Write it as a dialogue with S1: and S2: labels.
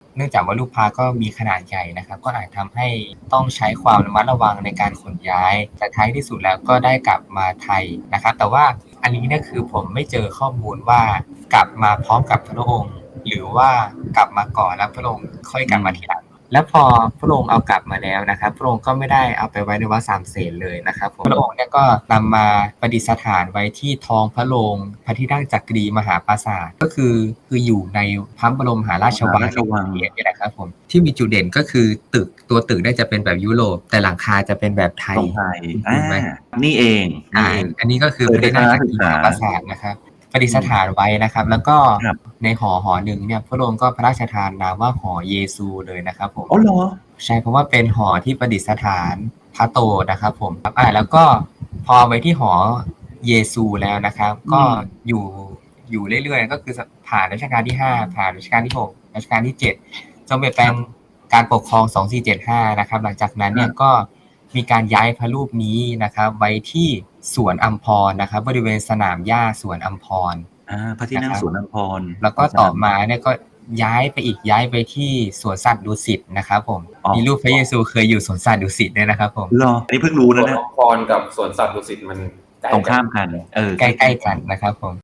S1: เนื่องจากว่าลูกพระก็มีขนาดใหญ่นะครับก็อาจทำให้ต้องใช้ความระมัดระวังในการขนย้ายแต่ท้ายที่สุดแล้วก็ได้กลับมาไทยนะครับแต่ว่าอันนี้เนี่ยคือผมไม่เจอข้อมูลว่ากลับมาพร้อมกับพระองค์หรือว่ากลับมาก่อนแล้วพระองค์ค่อยกลับมาทีหลังแล้วพอพระองค์เอากลับมาแล้วนะครับพระองค์ก็ไม่ได้เอาไปไว้ในวัดสามเสนเลยนะครับพระองค์เนี่ยก็นำมาประดิษฐานไว้ที่ท้องพระโรงพระที่นั่งจักรีมหาปราสาทก็คืออยู่ในพระบรมมหาราชวังนี่แหละครับผมที่มีจุดเด่นก็คือตัวตึกได้จะเป็นแบบยุโรปแต่หลังคาจะเป็นแบบไทยถูกไหม
S2: นี่เอง
S1: อันนี้ก็คือพระที่นั่งจักรีมหาปราสาทนะครับประดิษฐานไว้นะครับแล้วก็ในหอหนึ่งเนี่ยพระองค์ก็พระราชทานนามว่าหอเยซูเลยนะครับผม
S2: อ๋อเหรอ
S1: ใช่เพราะว่าเป็นหอที่ประดิษฐานพระโตนะครับผมแล้วก็พอไปที่หอเยซูแล้วนะครับก็อยู่เรื่อยๆก็คือผ่านรัชกาลที่5ผ่านรัชกาลที่6รัชกาลที่7จนเปลี่ยนแปลงการปกครอง2475นะครับหลังจากนั้นเนี่ยก็มีการย้ายพระรูปนี้นะครับไว้ที่สวนอัมพรนะครับบริเวณสนามหญ้าสวนอัมพร
S2: พระที่นั่งสวนอัมพร
S1: แล้วก็ต่อมาเนี่ยก็ย้ายไปที่สวนสัตว์ดุสิตนะครับผมมีรูปพระเยซูเคยอยู่สวนสัตว์ดุสิตด้วยนะครับผม
S2: เหรออันนี้เพิ่งรู้นะ
S3: สวนอัมพรกับสวนสัตว์ดุสิตมัน
S2: ตรงข้ามกัน
S1: ใกล้ๆกันนะครับผม